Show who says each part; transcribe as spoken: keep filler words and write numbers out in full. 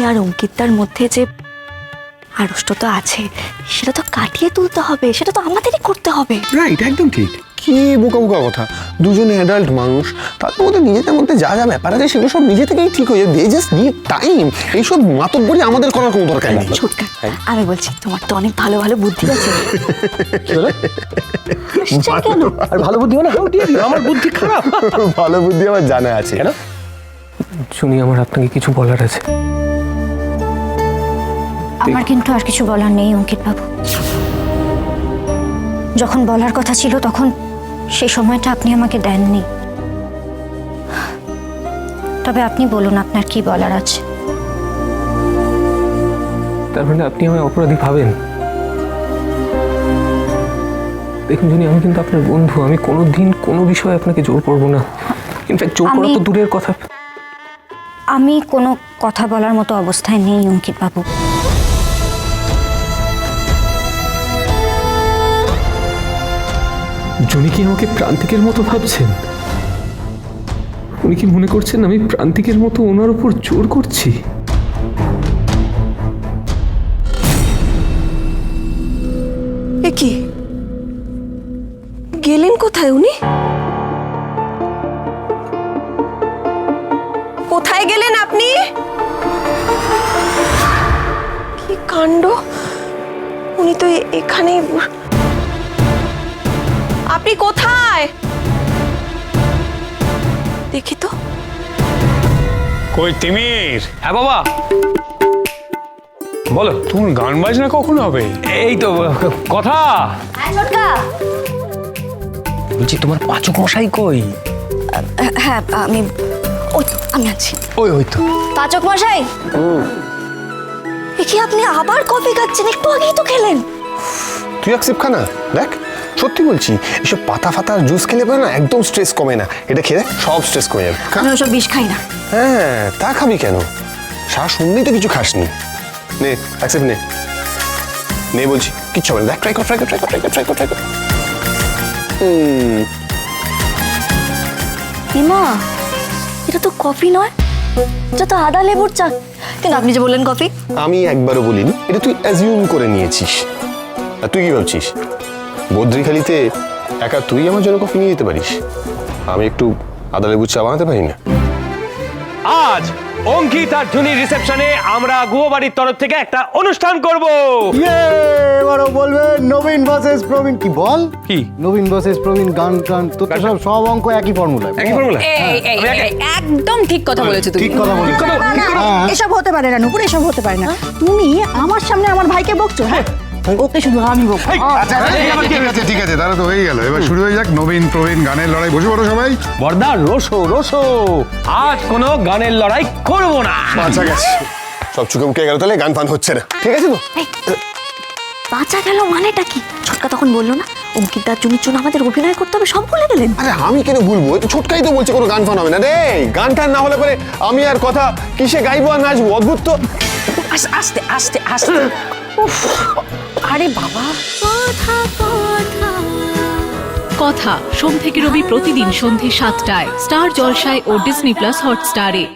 Speaker 1: আর অঙ্কিতার মধ্যে যে আড়ষ্টতা আছে সেটা তো কাটিয়ে তুলতে হবে, সেটা তো আমাদেরই করতে হবে।
Speaker 2: রাইট, একদম ঠিক।
Speaker 3: কি বোকা বোকা কথা, দুজনে অ্যাডাল্ট মানুষ, তাদের মধ্যে নিজেদের মধ্যে যা যা ব্যাপার আছে সেগুলো সব নিজে থেকেই ঠিক হয়ে যাবে। They just need time. এইসব মাতব্বরি আমাদের করার কোনো দরকার নেই।
Speaker 1: ছোটকা, আমি বলছি তোমার তো অনেক ভালো ভালো বুদ্ধি আছে। কেন?
Speaker 2: আর ভালো বুদ্ধি হয় না? আমার বুদ্ধি খারাপ?
Speaker 3: ভালো বুদ্ধি আমার জানা আছে।
Speaker 2: কেন? শুনি, আমার আপনাকে কিছু বলার আছে।
Speaker 4: আমার কিন্তু আর কিছু বলার নেই অঙ্কিত বাবু। যখন বলার কথা ছিল তখন সেই সময়টা আপনি আমাকে দেননি। তবে আপনি বলুন আপনার কি বলার আছে।
Speaker 2: তার মানে আপনি আমায় অপরাধী ভাবেন? দেখুন জুনি, আমি কিন্তু আপনার বন্ধু। আমি কোনোদিন কোনো বিষয়ে আপনাকে জোর করবো না। ইনফ্যাক্ট জোর করা তো দূরের কথা।
Speaker 4: আমি কোনো কথা বলার মতো অবস্থায় নেই অঙ্কিত বাবু।
Speaker 2: জুনি কি আমাকে প্রান্তিকের মতো ভাবছেন? উনি কি মনে করছেন আমি প্রান্তিকের মতো ওনার উপর জোর করছি?
Speaker 1: এ কি, গেলেন কোথায় উনি? কোথায় গেলেন আপনি? কি কাণ্ড, উনি তো এখানে। আপনি কোথায়? দেখি তো।
Speaker 5: কই তিমির?
Speaker 2: হ্যাঁ বাবা বলো।
Speaker 5: তোমার গান বাজনা কখন হবে?
Speaker 2: এই তো কথা বলছি, তোমার পাচক মশাই কই?
Speaker 1: হ্যাঁ আমি, ওই তো আমি আছি।
Speaker 2: ওই ওই তো।
Speaker 1: পাচক মশাই, এ কি আপনি আবার কফি খাচ্ছেন? একটু আগেই তো খেলেন।
Speaker 3: তুই এক সিপ খা না, দেখ সত্যি বলছি, এসব পাতা ফাতা জুস খেলে পরে না একদম স্ট্রেস কমে না। এটা খেলে সব স্ট্রেস কমে যাবে।
Speaker 1: আমি ওসব বিষ খাই না।
Speaker 3: হ্যাঁ, তা খাবি কেন? সারা সন্ধ্যেই তো কিছু খাসনি। নে অ্যাকসেপ্ট নে নে বলছি, কিচ্ছু হবে না। দেখ, ট্রাই কর ট্রাই কর ট্রাই কর ট্রাই কর ট্রাই কর ট্রাই কর। হুম,
Speaker 1: হিমা, এটা তো কফি নয়, এটা তো আদা লেবুর চা। কিন্তু আপনি যে বললেন কফি।
Speaker 3: আমি একবারও বলিনি, এটা তুই অ্যাজিউম করে নিয়েছিস। আর তুই কি ভাবছিস বদ্রিখালিতে একা তুই আমার জন্য কফি নিয়ে যেতে পারিস? আমি একটু আদা লেবুর চা বানাতে পারি না?
Speaker 6: আজ অঙ্কিত আর জুনির রিসেপশনে আমরা গুহবাড়ির তরফ থেকে একটা অনুষ্ঠান করব।
Speaker 7: এবারও বলবে নবীন ভার্সেস প্রবীণ। কি বল?
Speaker 6: কি
Speaker 7: নবীন ভার্সেস প্রবীণ, গান গান তো তো সব সব অঙ্ক একই ফর্মুলা।
Speaker 6: একই ফর্মুলা?
Speaker 8: এই এই এই, একদম ঠিক কথা বলেছো তুমি।
Speaker 7: ঠিক কথা বলিস। হ্যাঁ।
Speaker 9: এসব হতে পারে না নুপুর, এসব হতে পারে না। তুমি আমার সামনে আমার ভাইকে বকছো? হ্যাঁ, ওকে শুধু আমি বকবো।
Speaker 7: আচ্ছা ঠিক আছে ঠিক আছে, তাহলে তো হয়ে গেল। এবার শুরু হয়ে যাক নবীন প্রবীণ গানের লড়াই। বসে পড়ো সবাই।
Speaker 6: বর্দা রোসো রোসো, আজ কোনো গানের লড়াই করব না।
Speaker 3: বাঁচা গেছে, সব চুকে মুখে গেল, তাহলে গান ফান হচ্ছে না। ঠিক আছে তো?
Speaker 1: বাঁচা গেল মানেটা কি? ছোটকা তখন বললো না অঙ্কিত আর জুনির জন্য আমাদের অভিনয় করতে হবে, সব ভুলে গেলেন।
Speaker 3: আরে আমি কেন ভুলবো? এই তো ছোটকাই তো বলছে কোনো গান ফান হবে না রে। গান টান না হলে পরে আমি আর কথা কিসে গাইবো আর নাচবো? অদ্ভুত তো।
Speaker 8: আস্তে আস্তে আস্তে। উফ, আরে বাবা।
Speaker 10: কথা সোম থেকে রবি প্রতিদিন সন্ধে সাতটায় স্টার জলসায় ও ডিজনি প্লাস হটস্টারে।